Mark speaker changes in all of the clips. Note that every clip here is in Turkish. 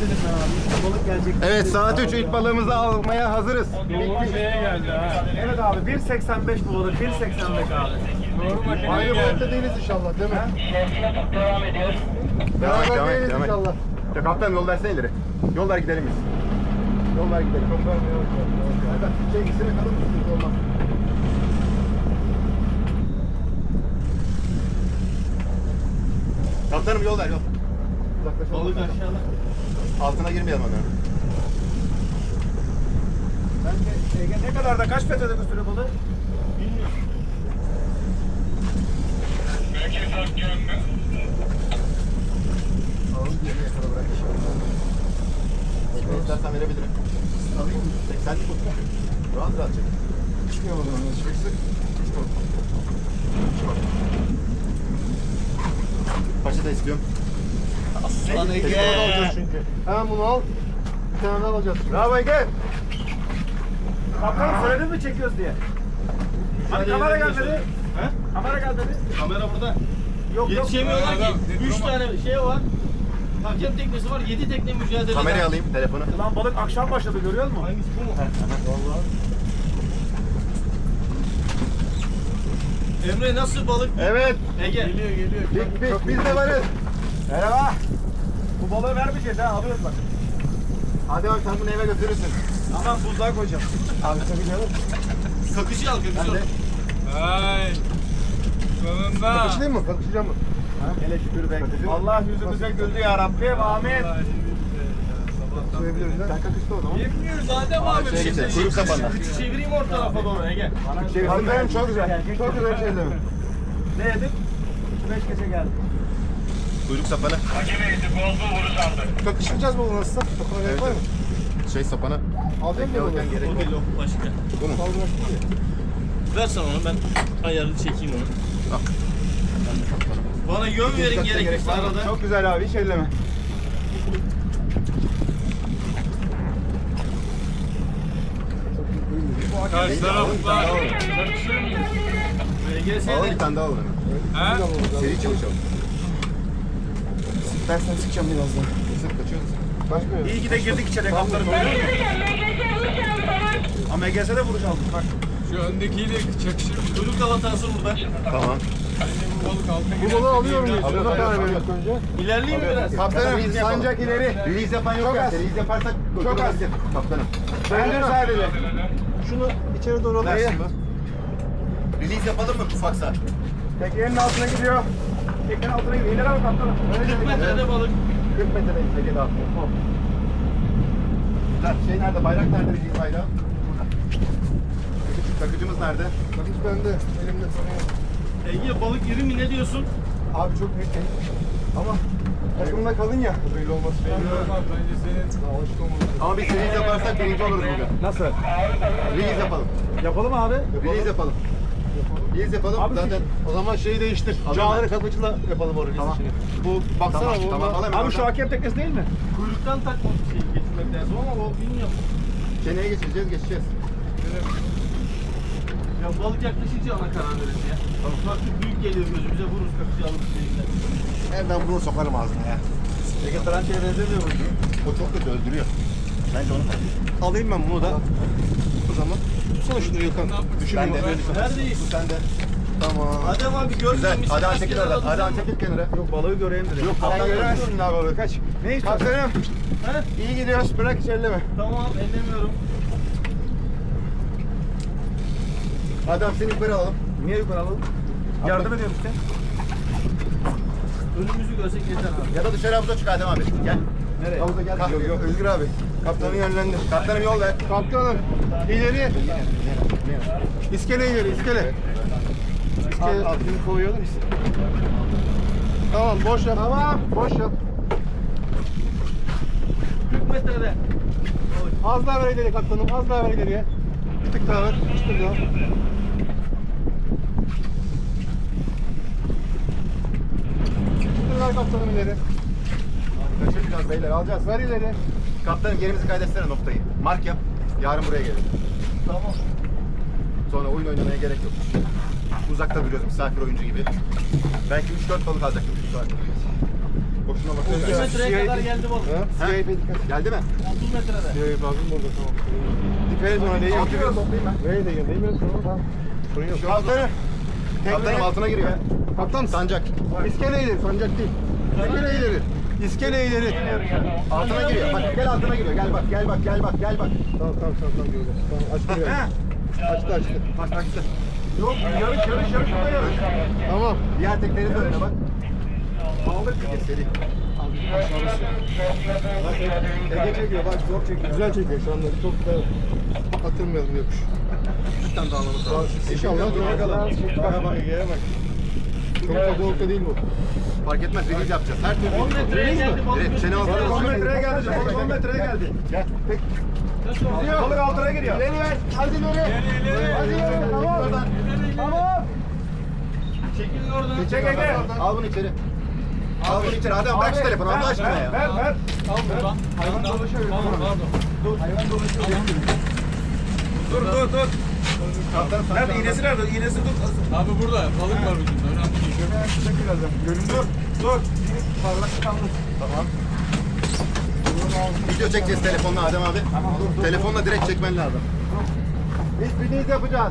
Speaker 1: dedim ben abi. İşte balık gelecek.
Speaker 2: Evet saat 3 ilk balığımızı almaya hazırız.
Speaker 3: Doğru şeye geldi ha.
Speaker 1: Evet abi 1.85 bu balık. 1.85 abi.
Speaker 3: Doğru makineye
Speaker 4: Aynı
Speaker 3: geldi.
Speaker 4: boyutta değiliz inşallah değil mi?
Speaker 2: Devam et, devam et,
Speaker 4: değiliz
Speaker 2: devam et.
Speaker 4: inşallah.
Speaker 2: Ya kaptan yol versene ileri. Yol ver gidelim biz. Yol ver gidelim. Hadi şey ikisine kalır mısın? Olmaz. Kaptanım yol ver yol. Uzaklaşalım.
Speaker 1: Balık aşağıda.
Speaker 2: Altına girmeyelim onu.
Speaker 1: Bence Ege ne kadar da kaç metrede götürüyor balığı? Bilmiyorum.
Speaker 2: Alalım diye yakala bırak. Ekmeği istersen verebilirim. Alayım mı? 80'lik olsun. Rahat rahat çek. Çıkmıyor o zaman. Çık sık. Paşa da istiyorum.
Speaker 1: Aslan
Speaker 4: Bir tane daha alacağız çünkü. Hemen bunu al. Bir tane daha alacağız.
Speaker 2: Bravo Ege.
Speaker 1: Kaptanım söyledin mi çekiyoruz diye? Hani kamera gelmedi. He? Kamera gelmedi.
Speaker 5: Kamera burada.
Speaker 1: Yok
Speaker 5: Yetişemiyorlar ki. 3 tane şey var. Hakem teknesi var. 7 tekne mücadele.
Speaker 2: Kamerayı alayım telefonu.
Speaker 1: Lan balık akşam başladı görüyor musun?
Speaker 5: Hangisi bu mu?
Speaker 1: Vallahi.
Speaker 5: Emre nasıl balık?
Speaker 2: Evet.
Speaker 5: Ege.
Speaker 3: Geliyor.
Speaker 2: Pik biz de varız.
Speaker 1: Merhaba. Bu balığı vermeyeceğiz ha alıyoruz bak.
Speaker 2: Hadi bak sen bunu eve götürürsün.
Speaker 1: Aman buzluğa koyacağım.
Speaker 2: Abi tabii canım.
Speaker 5: Kakışı al kakışı.
Speaker 2: Ben de.
Speaker 3: Ay. Sonunda.
Speaker 4: Kakışlayayım mı? Kakışlayacağım mı?
Speaker 1: Hele şükür be. Allah yüzümüze güldü ya Rabbim. Amin.
Speaker 4: Söyleyebiliriz lan.
Speaker 2: Sen kakıştı o zaman.
Speaker 5: Yemiyoruz Adem abi.
Speaker 2: Şeye geçelim. Kuyruk sapanla.
Speaker 5: Çevireyim o tarafa doğru Ege.
Speaker 4: Kaptanım çok güzel. Çok güzel şeyler.
Speaker 1: Ne yedik? 2-5 gece geldi.
Speaker 2: Kuyruk sapanı.
Speaker 4: Kakışlayacağız mı bunu nasılsa? Kakışlayacağız
Speaker 2: Evet,
Speaker 4: var mı?
Speaker 2: Şey sapanı.
Speaker 4: Alacak mı bunu?
Speaker 2: Beklerken gerek
Speaker 5: O
Speaker 2: yok.
Speaker 5: değil o başka.
Speaker 2: Bu mu?
Speaker 4: Kaldıraçlı mı?
Speaker 5: Ver sana onu ben ayarını çekeyim onu.
Speaker 2: Al. Ben de kaptanım.
Speaker 5: Bana yön verin
Speaker 2: Kaçta gerek
Speaker 5: gerekirse
Speaker 2: var mı?
Speaker 5: arada.
Speaker 1: Çok güzel abi hiç elleme.
Speaker 3: Karşı taraflar.
Speaker 5: VGS'de.
Speaker 2: Alalım bir tane daha alalım hemen.
Speaker 3: Ha?
Speaker 2: Seri çalışalım.
Speaker 4: Dersen sıkacağım birazdan.
Speaker 2: Sık kaçıyoruz.
Speaker 4: Başka yok.
Speaker 1: İyi ki de girdik içeri kaptanım. Ama MGS'de vuruş aldık bak.
Speaker 3: Şu öndekiyle çakışır mı?
Speaker 5: Kuyruk kavatası burada.
Speaker 2: Tamam.
Speaker 3: Bu balık altına
Speaker 4: Bu balığı alıyor muyuz?
Speaker 2: Alıyoruz,
Speaker 4: Buna karar
Speaker 2: alıyoruz,
Speaker 4: veriyorduk önce.
Speaker 5: İlerleyeyim mi biraz?
Speaker 4: Kaptanım
Speaker 2: Release yapalım.
Speaker 4: sancak ileri.
Speaker 2: Release yapan yok
Speaker 4: Çok
Speaker 2: ya.
Speaker 4: az.
Speaker 2: Release yaparsak
Speaker 4: Çok az.
Speaker 2: Kaptanım.
Speaker 4: Döndür sadece. Şunu içeri doğru alayım.
Speaker 2: Versin bu. Release yapalım mı ufaksa?
Speaker 1: Teknenin altına gidiyor. Teknenin altına gidiyor. İleri al kaptanım.
Speaker 5: 40 metrede balık.
Speaker 2: 40 metredeyiz Ege daha. Güzel. Şey nerede? Bayrak nerede? Release bayrağı? Burada. Takıcımız nerede?
Speaker 4: Bakış bende. Elimde sorun yok.
Speaker 5: Ege balık iri mi ne diyorsun?
Speaker 4: Abi çok büyük değil. Ama takımda kalın ya. Belli olmaz.
Speaker 3: Olmaz, bence senin
Speaker 4: Alışık olmalı.
Speaker 2: Ama biz release yaparsak birinci oluruz bugün.
Speaker 1: Nasıl?
Speaker 2: Release yapalım.
Speaker 1: Yapalım abi.
Speaker 2: Release yapalım. Release yapalım.
Speaker 1: Abi
Speaker 2: Zaten
Speaker 4: O zaman şeyi değiştir.
Speaker 2: Alayım
Speaker 4: Cağları
Speaker 2: ben.
Speaker 4: kapıcıyla yapalım o release
Speaker 2: Tamam.
Speaker 4: işini. Bu baksana
Speaker 2: Tamam,
Speaker 4: bu.
Speaker 2: tamam. Alayım
Speaker 1: Abi
Speaker 2: ben
Speaker 1: şu
Speaker 2: oradan.
Speaker 1: hakem teknesi değil mi?
Speaker 5: Kuyruktan takma şey getirmek lazım ama o bilmiyorum.
Speaker 2: Çeneye geçeceğiz.
Speaker 5: Ya balık yaklaşınca ona karar veririz ya. Farklı büyük geliyor gözümüze vururuz kakışı alıp şeyinden.
Speaker 2: Nereden bunu sokarım ağzına ya.
Speaker 1: Ege Trança'ya benzemiyor bu.
Speaker 2: O çok kötü öldürüyor. Bence onu
Speaker 4: Alayım ben bunu da. O zaman. Tutsana şunu Gökhan. Düşün
Speaker 2: Ben de.
Speaker 5: Neredeyiz?
Speaker 2: Bu sende.
Speaker 4: Tamam.
Speaker 5: Adem abi
Speaker 2: Güzel.
Speaker 5: görmemişsin.
Speaker 2: Hadi çekil oradan. Hadi çekil kenara.
Speaker 1: Yok balığı göreyim dedim.
Speaker 2: Yok
Speaker 4: Sen
Speaker 2: kaptan
Speaker 4: göremezsin daha balığı. Kaç.
Speaker 1: Ne istiyorsun?
Speaker 4: Kaptanım.
Speaker 5: He?
Speaker 4: İyi gidiyoruz. Bırak hiç elleme.
Speaker 5: Tamam ellemiyorum.
Speaker 2: Adam seni yukarı alalım.
Speaker 1: Niye yukarı alalım? Yardım ediyorum işte.
Speaker 5: Önümüzü görsek yeter abi.
Speaker 2: Ya da dışarı havuza çık Adem abi. Gel.
Speaker 1: Nereye?
Speaker 2: Havuza gel.
Speaker 4: Yok yok Özgür abi. Kaptanı yönlendir.
Speaker 2: Kaptanım yol ver.
Speaker 4: Kaptanım. İleri. İskele ileri. İskele. İskele.
Speaker 1: Altını koyuyordum işte.
Speaker 4: Tamam boş yap. Tamam. Boş yap.
Speaker 5: 40 metrede.
Speaker 4: Az daha ver ileri kaptanım. Az daha ver ileriye. Bir tık daha ver. Bir tık daha. Bir ver kaptanım ileri.
Speaker 2: Kaçıracağız beyler alacağız.
Speaker 4: Ver ileri.
Speaker 2: Kaptanım yerimizi kaydetsene noktayı. Mark yap. Yarın buraya gelin.
Speaker 5: Tamam.
Speaker 2: Sonra oyun oynamaya gerek yok. Uzakta duruyoruz misafir oyuncu gibi. Belki 3-4 balık alacaktık şu saat. Boşuna
Speaker 5: 30
Speaker 2: bakıyor.
Speaker 5: metreye kadar geldi balık.
Speaker 2: Ha? Geldi mi?
Speaker 5: 30 metrede.
Speaker 4: Evet lazım burada tamam.
Speaker 2: Dikkat et ona değiyor.
Speaker 4: Nereye değiyor? Değmiyor sonra tamam. Sorun yok.
Speaker 2: Kaptanım. Kaptanım altına giriyor. Kaptan sancak.
Speaker 4: İskele ileri, sancak değil. İskele ileri. İskele ileri.
Speaker 2: Altına giriyor. Bak gel altına giriyor. Gel bak gel bak gel bak gel bak.
Speaker 4: Tamam göreceğiz. Tamam açtı biraz. Açtı.
Speaker 2: Bak açtı.
Speaker 1: Yok yarış burada yarış.
Speaker 4: Tamam.
Speaker 2: Diğer tekleri de önüne bak. Aldık bir kez seri.
Speaker 4: Ege çekiyor bak zor çekiyor. Güzel çekiyor şu anda. Çok da atılmayalım yokuş.
Speaker 2: Üstten dağlaması lazım.
Speaker 4: İnşallah dura kadar. Bak Ege'ye bak. Çok da boğulta değil bu.
Speaker 2: Fark etmez. Release yapacağız. Her türlü.
Speaker 5: 10 metreye geldi balık.
Speaker 2: Evet, çene altına
Speaker 1: 10 metreye geldi. Balık 10 metreye geldi.
Speaker 2: Gel. Peki.
Speaker 1: Balık altına giriyor.
Speaker 2: İleri ver. Hadi ileri. Hadi ileri. Tamam.
Speaker 1: Tamam.
Speaker 5: Çekilin oradan.
Speaker 1: Çek Ege.
Speaker 2: Al bunu içeri. Al bunu içeri. Adam bırak şu telefonu Allah aşkına ya.
Speaker 1: Ver.
Speaker 5: Al buradan.
Speaker 1: Hayvan dolaşıyor.
Speaker 5: Pardon.
Speaker 1: Hayvan dolaşıyor. Dur.
Speaker 2: Kaptanım
Speaker 1: Nerede? İğnesi nerede? İğnesi dur.
Speaker 3: Abi burada balık var ucunda. Önemli değil.
Speaker 1: Çek birazdan. Görün dur. Parlak kaldı.
Speaker 2: Tamam. Video çekeceğiz telefonla Adem abi. Telefonla direkt çekmen lazım. Biz release yapacağız.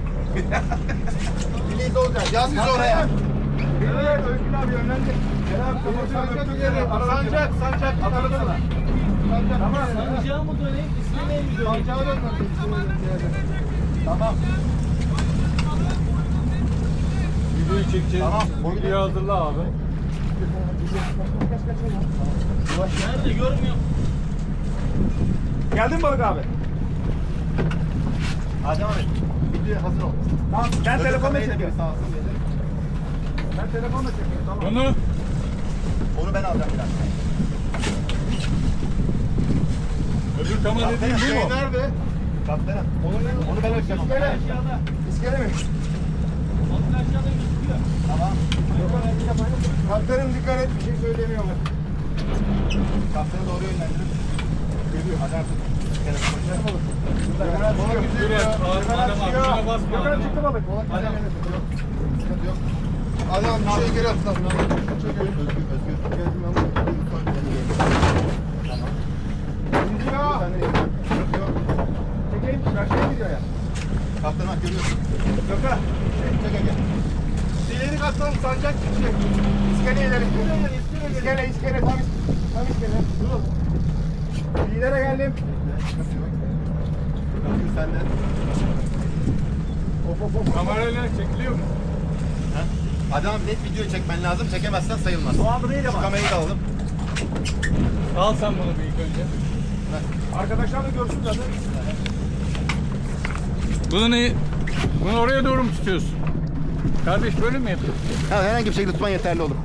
Speaker 2: Release olacak. Yaz bizi oraya.
Speaker 1: Evet, Özgün abi yönlendir. Gel abi, sancak ileri. Sancak. Atalım mı? Tamam.
Speaker 5: Sancağı mı döneyim? İstemeye mi döneyim?
Speaker 1: Sancağa dönmem. Tamam.
Speaker 3: Videoyu çekeceğiz.
Speaker 2: Tamam.
Speaker 3: Videoyu hazırla abi.
Speaker 5: Nerede görmüyorum.
Speaker 1: Geldin mi balık abi?
Speaker 2: Adem abi. Video hazır ol.
Speaker 1: Tamam. Ben telefonla
Speaker 2: kamerayı da
Speaker 1: çekiyorum.
Speaker 2: bir sağ olsun dedi.
Speaker 1: Ben telefonla çekiyorum. Tamam.
Speaker 3: Bunu
Speaker 2: Onu ben alacağım biraz.
Speaker 3: öbür kamera dediğin bu mu?
Speaker 2: Nerede? Kaptanım. Onu ben ölçeceğim.
Speaker 1: İskele.
Speaker 5: Aşağıda.
Speaker 1: İskele mi?
Speaker 5: Balık aşağıda gözüküyor.
Speaker 2: Tamam.
Speaker 1: Kaptanım dikkat et, bir şey söylemiyorlar.
Speaker 2: Kaptanı doğru yönlendirin. Geliyor. Hadi artık.
Speaker 3: Dur Adem abi şuna basma.
Speaker 1: Yukarı çıktı balık.
Speaker 2: Sıkıntı yok.
Speaker 4: Adam bir şey geri atsan.
Speaker 2: Özgür.
Speaker 1: Çekeyim, karşıya gidiyor ya.
Speaker 2: Kaptanı bak görüyorsun.
Speaker 1: Gökhan.
Speaker 2: Çek Ege.
Speaker 1: İleri katlan, sancak gidecek. İskele ileri. İskele. Tam iskele. Dur. İleri geldim.
Speaker 2: Özgür sen de.
Speaker 1: Of.
Speaker 3: Kamerayla çekiliyor mu?
Speaker 2: Adem abi net video çekmen lazım. Çekemezsen sayılmaz.
Speaker 1: O adı neydi
Speaker 2: Şu
Speaker 1: ama?
Speaker 2: kamerayı da alalım.
Speaker 3: Al sen bunu bir ilk önce.
Speaker 1: Arkadaşlar da görsün zaten.
Speaker 3: Bunu oraya doğru mu tutuyorsun? Kardeş böyle mi yapıyorsun?
Speaker 2: Ha, herhangi bir şekilde tutman yeterli olur.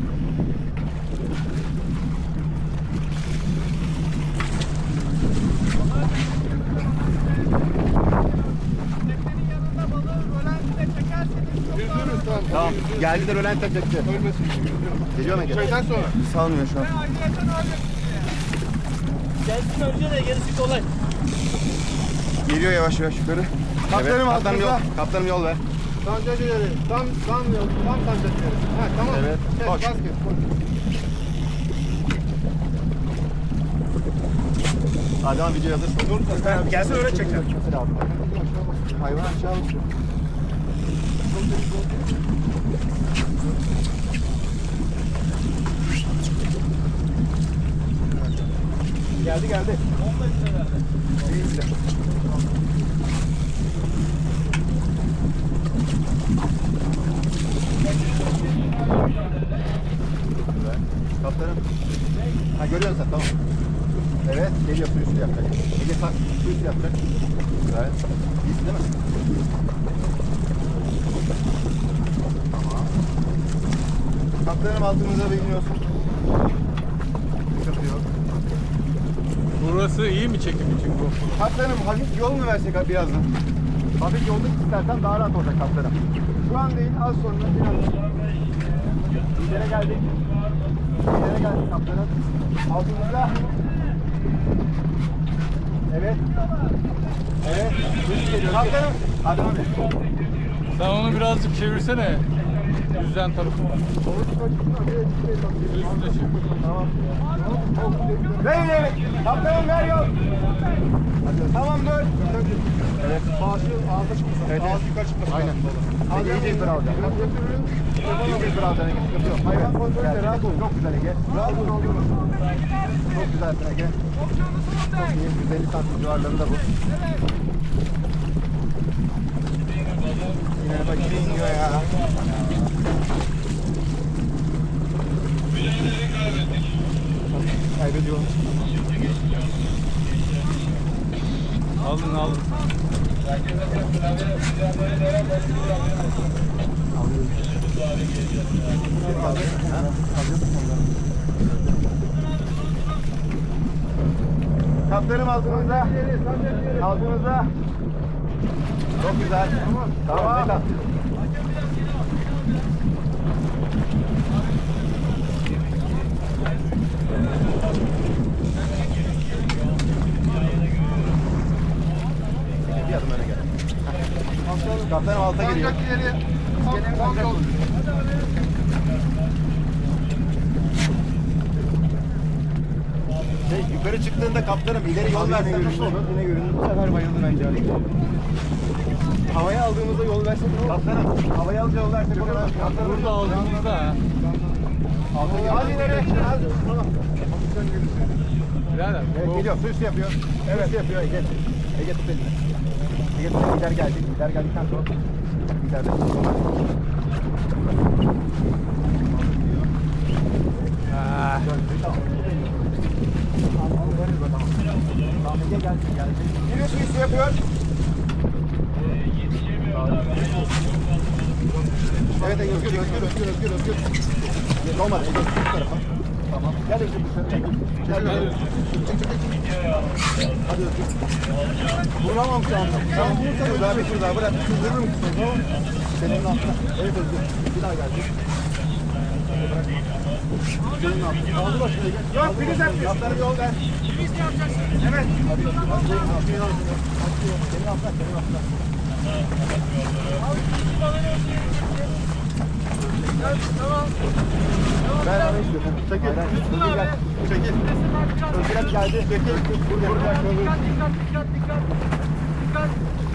Speaker 2: Tamam. Geldiler ölen tek çekti.
Speaker 4: Ölmesin.
Speaker 2: Geliyor mu Ege?
Speaker 4: Çaydan sonra.
Speaker 2: Salmıyor şu an.
Speaker 5: Gelsin önce de gerisi kolay.
Speaker 2: Geliyor yavaş yavaş yukarı.
Speaker 4: Kaptanım
Speaker 2: kaptanım yol,
Speaker 4: altında.
Speaker 2: kaptanım yol ver.
Speaker 4: Sancak ileri. Tam sancak ileri. Ha tamam.
Speaker 2: Evet,
Speaker 4: Kes,
Speaker 2: koş.
Speaker 4: bas kes, koş.
Speaker 2: Adem abi video hazırsın. Dur.
Speaker 1: Gelsin öyle çekeceğim.
Speaker 2: Hayvan aşağı uçuyor.
Speaker 1: Geldi.
Speaker 5: 10 metrelerde.
Speaker 2: Kaptanım. Ha görüyorsun sen tamam. Evet geliyor suyu üstü yapacak. Ege tak suyu üstü yapacak. Güzel. İyisin değil mi? Tamam. Kaptanım altımıza biniyorsun. Sıkıntı yok.
Speaker 3: Burası iyi mi çekim için bu?
Speaker 2: Kaptanım hafif yol mu versek abi birazdan? Hafif yolda istersen daha rahat olacak kaptanım. Şu an değil az sonra birazdan. İleri geldik. İleri geldik kaptanım. Altımızda. Evet. Evet. Kaptanım. Hadi abi.
Speaker 3: Sen onu birazcık çevirsene. Yüzden tarafı var. Üstüne çık.
Speaker 2: Tamam. Ver ileri. Kaptanım ver yol. Tamam dur. Evet.
Speaker 4: Maaşı ağzına çıkmasın.
Speaker 2: Evet,
Speaker 4: Ağzı yukarı çıkmasın.
Speaker 2: Aynen. İyice yukarı alacağım. İyice yukarı alacaksın. Sıkıntı yok. Hayvan kontrolü rahat ol. Çok güzel Ege. Rahat ol. Çok güzelsin Ege. Çok iyi. 150 santim civarlarında bu. Yine bak yine iniyor ya. Kaybediyorum.
Speaker 3: Aldın aldın.
Speaker 2: Kaptanım altınızda. Altınızda. Çok güzel. Tamam. Tamam. Bir adım öne gel. Kaptanım alta geliyor.
Speaker 4: Sancak ileri.
Speaker 2: İskelenin sancak oldu. Yukarı çıktığında kaptanım ileri yol versen nasıl olur? Yine göründü. Bu sefer bayıldı bence Ali. Havaya aldığımızda yol versek ne olur? Kaptanım havaya alınca yol versek o kadar. Kaptanım
Speaker 3: Burada aldığımızda ha.
Speaker 2: Hadi ileri. Tamam.
Speaker 3: Birader.
Speaker 2: Evet,
Speaker 3: bu-
Speaker 2: geliyor. Su üstü yapıyor. Evet. Su yapıyor Ege. Ege tut elini. Ege tut elini. Lider geldi. Lider geldikten sonra lider de.
Speaker 3: Ha.
Speaker 2: Tamam Ege geldi. Geliyor su üstü yapıyor. Evet Ege özgür. Olmadı Ege. Bu tarafa. Tamam. Gel Özgür dışarı. Gel. Hadi Özgür. Vuramam şu anda. Tamam vurursan daha bir tur daha bırak. Vurur musun? Tamam. Senin altına. Evet Özgür. Bir daha geldi. Senin altına. Aldı başına Ege. Yok biri sen. Yaptığını bir yol ver. Biz yapacaksın. Evet. Hadi. Senin altına. Senin altına. Senin altına.
Speaker 1: Tamam.
Speaker 2: Ben abi istiyorum. Çekil. Özgür gel. Çekil. Özgür hep geldi. Çekil. Burada.
Speaker 1: Dikkat.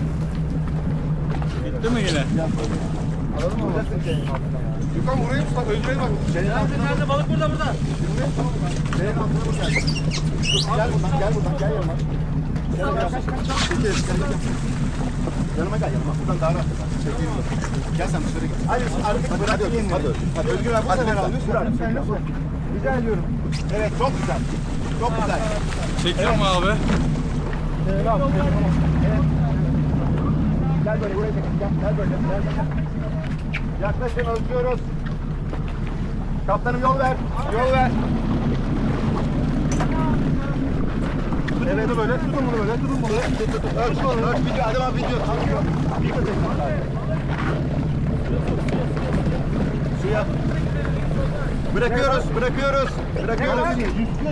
Speaker 3: Gitti mi yine?
Speaker 2: Alalım mı?
Speaker 4: Yukan burayı mı? Özbey'e bak.
Speaker 2: Senin altına.
Speaker 1: Nerede balık burada?
Speaker 2: Senin altına mı geldi? Gel buradan. Gel yanıma. Yanıma gel yanıma. Buradan daha rahat. Çekeyim. Gel sen dışarı gel. Hadi artık bırak. Hadi Özgür abi bu sefer alıyorsun. Bırak. Rica ediyorum. Evet çok güzel. Çok güzel.
Speaker 3: Çekiyor mu abi?
Speaker 2: Evet. Gel böyle buraya çek. Gel böyle. Yaklaşın ölçüyoruz. Kaptanım yol ver. Yol ver. Evet böyle. Tutun bunu böyle. Tutun bunu. Ölç bunu. Ölç video. Adem abi video. Tanıyor. Video çeksin. Suya. Bırakıyoruz. 140.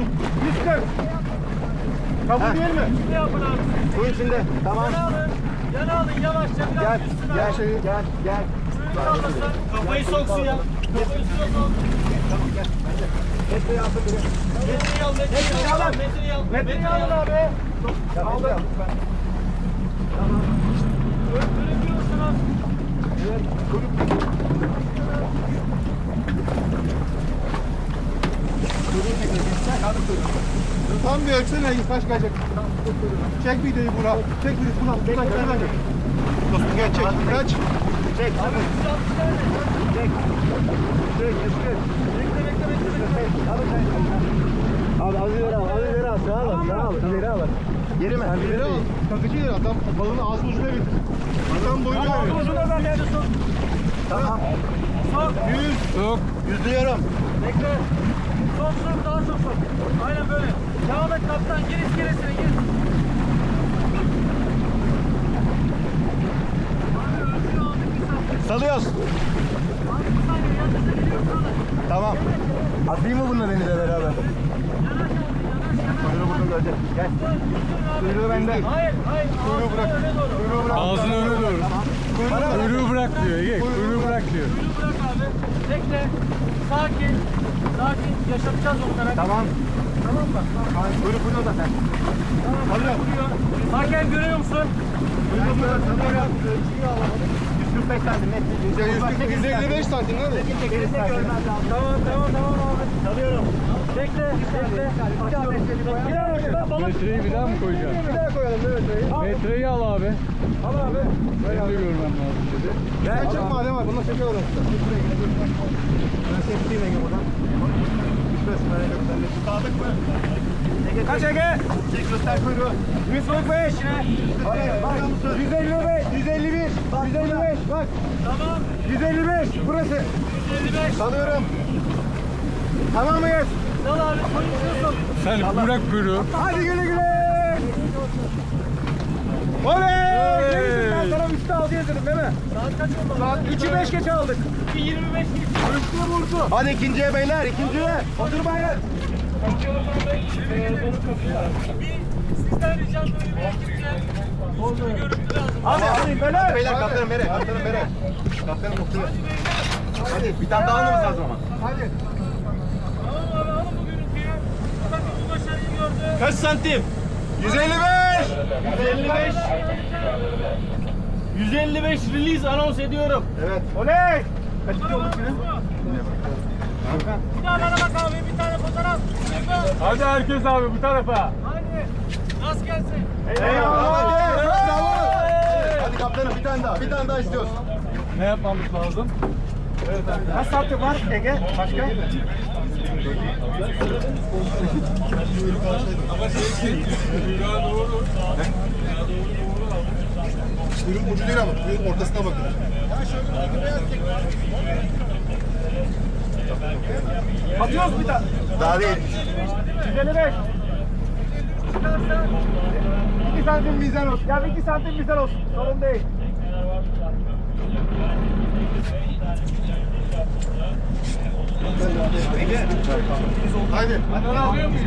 Speaker 2: Kabul değil mi?
Speaker 1: Ne yapın abi?
Speaker 2: Suyun içinde. Tamam.
Speaker 1: Yana alın yavaşça biraz üstüne.
Speaker 2: Gel.
Speaker 1: Kafayı soksun ya. Kafayı soksun.
Speaker 2: Tamam gel. Metreyi alsın biri.
Speaker 1: Metreyi alın abi.
Speaker 2: Aldım.
Speaker 1: Bırakıyorsunuz.
Speaker 2: Evet.
Speaker 4: Tam bir ölçsene kaç kaçacak. Çek videoyu Burak. Çek videoyu Burak.
Speaker 2: Dostum gel çek. Kaç. Çek. Abi az ileri al. Sağ ol. İleri al. Geri mi?
Speaker 4: İleri al. Takıcı yer adam balını ağzının ucuna getir. Adam boyuna ver.
Speaker 1: Uzuna ben nerede sok?
Speaker 2: Tamam.
Speaker 1: Sok.
Speaker 2: 100.
Speaker 3: Yok.
Speaker 2: 100 diyorum.
Speaker 1: Bekle. Sok daha sok. Aynen böyle. Devam et kaptan. Gir iskelesine gir. Abi ölçüyü aldık bir saniye.
Speaker 2: Salıyoruz.
Speaker 1: Abi bir saniye yanınıza geliyorsun.
Speaker 2: Tamam. Atayım mı bunları denize beraber?
Speaker 1: Yanaş abi.
Speaker 2: Kuyruğu burada görecek. Gel. Kuyruğu bende.
Speaker 1: Hayır.
Speaker 2: Kuyruğu bırak.
Speaker 1: Öne doğru.
Speaker 2: Kuyruğu bırak.
Speaker 3: Ağzını öne doğru.
Speaker 2: Bana bırak.
Speaker 3: Kuyruğu bırak diyor. Ege. Kuyruğu bırak diyor.
Speaker 1: Kuyruğu bırak abi.
Speaker 5: Bekle. Sakin. Sakin. Yaşatacağız onlara.
Speaker 2: Tamam.
Speaker 5: Tamam mı?
Speaker 2: Kuyruk burada zaten.
Speaker 5: Alıyor. Hakem görüyor musun?
Speaker 2: Kuyruk burada. Sanıyorum. 145 santim net.
Speaker 4: Ya 155 santim değil mi?
Speaker 5: Tamam abi. Çalıyorum. Bekle.
Speaker 3: Metreyi bir daha mı koyacaksın?
Speaker 2: Bir daha koyalım metreyi.
Speaker 3: Metreyi al abi.
Speaker 2: Al abi.
Speaker 3: Benim de görmem lazım dedi.
Speaker 2: Gel çek madem var. Bununla çekiyor orası. Ben çektiğim Ege buradan. 105 böyle göstermek. Sadık mı? Ege kaç Ege? Çek göster kuyruğu. 145. Hayır bak. 155. 151. 155 bak.
Speaker 5: Tamam.
Speaker 2: 155 burası.
Speaker 5: 155.
Speaker 2: Salıyorum. Tamam mıyız?
Speaker 5: Sal abi. Konuşuyorsun.
Speaker 3: Sen bırak kuyruğu.
Speaker 2: Hadi güle güle. Oley! Ben sana 3'te 6 yazdım değil mi?
Speaker 5: Saat kaç oldu?
Speaker 2: Saat 3'ü 5 geç aldık.
Speaker 5: 25 geçti.
Speaker 2: Üstüne vurdu. Hadi ikinciye beyler, ikinciye. Otur baylar.
Speaker 5: Sizden ricam böyle bir ekipçe. Bir görüntü lazım.
Speaker 2: Hadi beyler. Beyler kaptanım bere, kaptanım bere. Kaptanım oturuyor. Hadi bir tane daha almamız lazım ama. Hadi.
Speaker 5: Tamam abi alın bu görüntüyü. Takım bu başarıyı gördü.
Speaker 1: Kaç santim?
Speaker 2: 155.
Speaker 5: 155. 155 release anons ediyorum.
Speaker 2: Evet. Oley! Kaç kişi olduk yine?
Speaker 5: Bir daha bana bak abi bir tane fotoğraf.
Speaker 3: Hadi herkes abi bu tarafa.
Speaker 5: Hadi. Rast gelsin.
Speaker 2: Eyvallah. Bravo. Hadi kaptanım bir tane daha istiyoruz.
Speaker 3: Ne yapmamız lazım?
Speaker 2: Kaç santim var Ege? Başka?
Speaker 4: Kuyruğun ucu değil ama kuyruğun ortasına bakın.
Speaker 2: Atıyoruz bir tane. Daha değil. 155. 2 santim bizden olsun. Ya 2 santim bizden olsun. Sorun değil.
Speaker 4: Haydi.
Speaker 3: Alıyor muyuz?